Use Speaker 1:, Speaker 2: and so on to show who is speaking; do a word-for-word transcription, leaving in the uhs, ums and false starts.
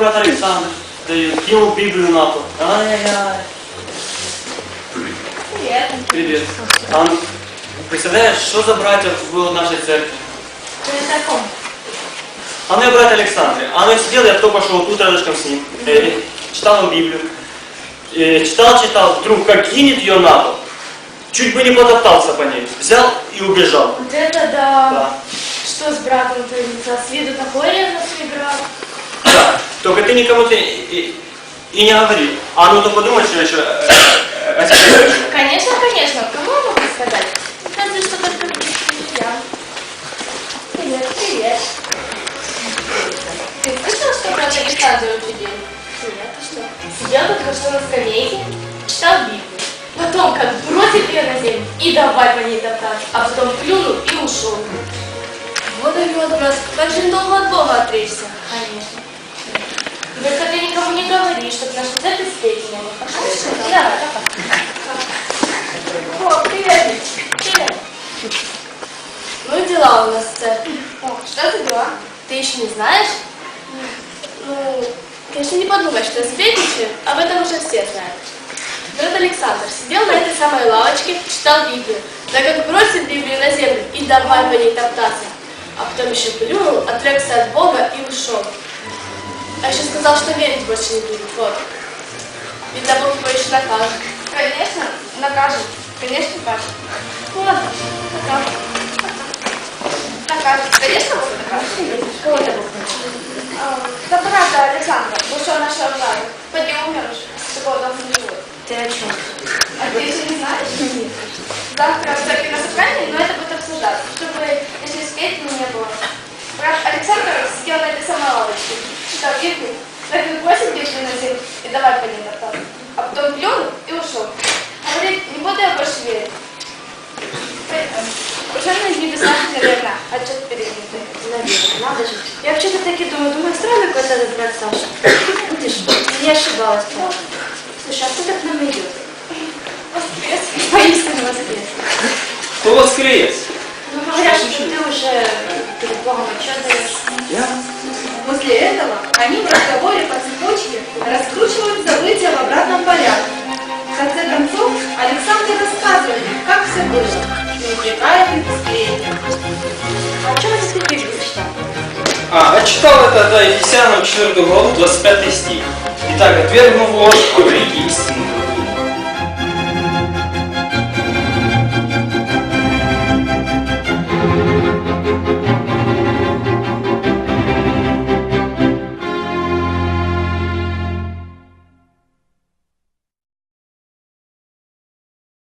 Speaker 1: брат Александр дает, ему Библию на пол. Ай-яй-яй.
Speaker 2: Привет.
Speaker 1: Привет. А, представляешь, что за братья было в нашей церкви?
Speaker 2: Ты о таком?
Speaker 1: А ну и брат Александр. А ну сидел, я кто пошел тут рядышком с ним. Э, читал ему Библию. Э, читал, читал, вдруг как кинет ее на пол. Чуть бы не потоптался по ней. Взял и убежал.
Speaker 2: Вот это да.
Speaker 1: Да.
Speaker 2: Что с братом творится? С виду такой ревностный брат.
Speaker 1: Да. Только ты никому ты и, и не говори. А ну то подумай, что я еще э, э, о тебе скажу.
Speaker 2: Конечно, конечно. Кому я могу сказать? Разве что только я. Привет, привет. Ты слышал, что брат Александр учудил? Нет, ты что? Сидел только что на скамейке, читал Библию. Потом как бросил ее на землю и давай по ней топтаться, а потом плюнул и ушел. Вот и вот, брат, как же долго от Бога отречься? Конечно. Только ты никому не говори, чтобы наша церковь встретила. Хорошо? Да, давай. О, привет. Привет. Ну и дела у нас в церкви. О, что за дела? Ты еще не знаешь? Ну, конечно, не подумай, что я сплетничаю, об этом уже все знают. Брат Александр сидел на этой самой лавочке, читал Библию, да как бросил Библию на землю и давай по ней топтаться. А потом еще плюнул, отрекся от Бога и ушел. А еще сказал, что верить больше не будет. Вот. Видно, Бог его еще накажет. Конечно, накажет. Конечно, накажет. Ладно, накажет. Накажет. Конечно, Бог накажет. Кого это Бог накажет? Да брата Александра, бывшего нашего брата. Поди умершь. Такого дома не будет. Ты о чем? А ты еще не знаешь? Нет. Завтра в церкви на собрании, но это будет обсуждаться, чтобы, если сплетни не было. Брат Александр сидел на этой самой лавочке, читал Библию, так как бросил Библию на землю и давай по ней топтаться. А потом плюнул и ушел. Говорит, не буду я больше верить. Уже на небесах, наверное, отчет переднутый.
Speaker 3: Наверное, надо же. Я вообще-то таки думаю, думаю, странный какой-то этот брат Саша. Ты что, не ошибалась, правда? Слушай, а кто так нам идет?
Speaker 2: Воскрес.
Speaker 3: Поистине воскрес.
Speaker 1: Кто воскрес?
Speaker 3: Ну, говорят, что ты уже перед Богом отчет даешь.
Speaker 1: Я?
Speaker 4: После этого они в разговоре по цепочке раскручивают события в обратном порядке. В конце концов, Александр рассказывает, как все было, не упрекает в сплетнях.
Speaker 3: А что вы здесь Библию читал?
Speaker 1: А, я читал это, да, Ефесянам четвёртую главу, двадцать пятый стих. Итак, отвергнув ложь, говорите истину.